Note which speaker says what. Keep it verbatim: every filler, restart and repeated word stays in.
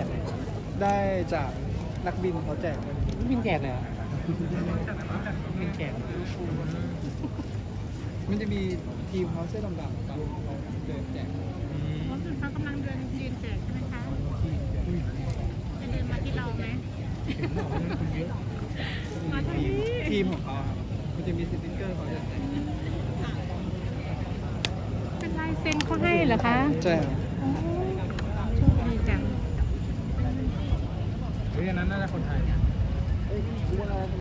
Speaker 1: จากไหน
Speaker 2: ได้จากนักบินเขาแจก
Speaker 1: บินแจกเลยเหรอบินแจก
Speaker 2: มันจะมีทีมเขาเสื้อดำๆกับเขาเดินแจก
Speaker 3: รถเขากำลังเดินยืนแจกใช่ไหมคะจะเดินมาที่เราไหมมาทาง
Speaker 2: ทีม
Speaker 3: นี้
Speaker 2: ทีมของเขาครับมันจะมีสติ๊กเกอร์เขาจะแจก
Speaker 3: เป็นลายเซ็นเขาให้เหรอคะ
Speaker 2: ใช่ครับ
Speaker 3: โอ้โชคดีจัง
Speaker 1: เฮ้ยอันนั้นน่าจะคนไทย